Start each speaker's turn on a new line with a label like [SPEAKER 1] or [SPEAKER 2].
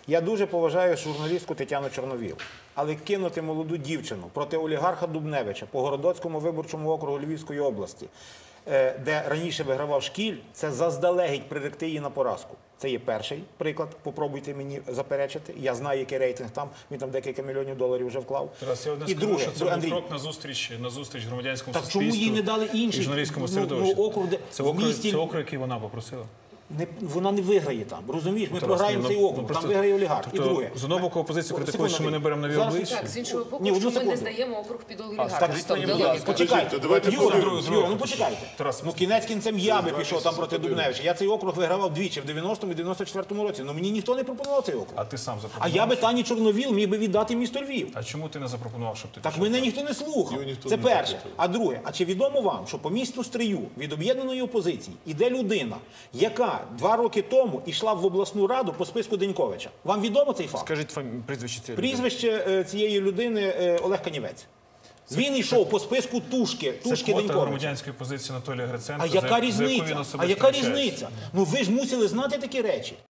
[SPEAKER 1] Я дуже поважаю журналістку Тетяну Чорновіл, але кинути молоду дівчину проти олігарха Дубневича по Городоцькому виборчому округу Львівської області, де раніше вигравав Шкіль, це заздалегідь приректи її на поразку. Це є перший приклад, попробуйте мені заперечити. Я знаю, який рейтинг там, він там декілька мільйонів доларів вже вклав.
[SPEAKER 2] Тарас, я одне скажу, що це був крок назустріч громадянському суспільству.
[SPEAKER 1] Так чому їй не дали інший?
[SPEAKER 2] І журналістському середовищу.
[SPEAKER 1] Це округ,
[SPEAKER 2] який вона попросила.
[SPEAKER 1] Вона не виграє там, розумієш? Ми програємо цей округ, там виграє олігарх. І друге.
[SPEAKER 2] З одного боку опозиція критикує, що ми не беремо нові обличчя.
[SPEAKER 3] Так, з іншого боку, що ми не здаємо округ під олігарха.
[SPEAKER 1] Почекайте, Юра, ну почекайте. Ну кінець кінцем я би пішов там проти Дубневича. Я цей округ вигравав двічі, в 90-му і 94-му році. Ну мені ніхто не пропонував цей округ.
[SPEAKER 2] А ти сам
[SPEAKER 1] А
[SPEAKER 2] запропонував?
[SPEAKER 1] я би Тані Чорновіл міг би віддати місто Львів.
[SPEAKER 2] А чому ти не запропонував, щоб ти
[SPEAKER 1] Так
[SPEAKER 2] пішов?
[SPEAKER 1] мене ніхто не слухав. Це перше. А друге, а чи відомо вам, що по місту Стрию від об'єднаної опозиції іде людина, яка 2 роки тому йшла в обласну раду по списку Деньковича? Вам відомо цей факт?
[SPEAKER 4] Скажіть прізвище цієї людини.
[SPEAKER 1] Прізвище цієї людини Олег Канівець. Він йшов по списку Тушки
[SPEAKER 2] Це квота
[SPEAKER 1] Деньковича.
[SPEAKER 2] громадянської позиції Анатолія Гриценка,
[SPEAKER 1] А яка
[SPEAKER 2] за яку він
[SPEAKER 1] різниця?
[SPEAKER 2] особисто
[SPEAKER 1] А яка
[SPEAKER 2] вручається.
[SPEAKER 1] різниця? Ну ви ж мусили знати такі речі.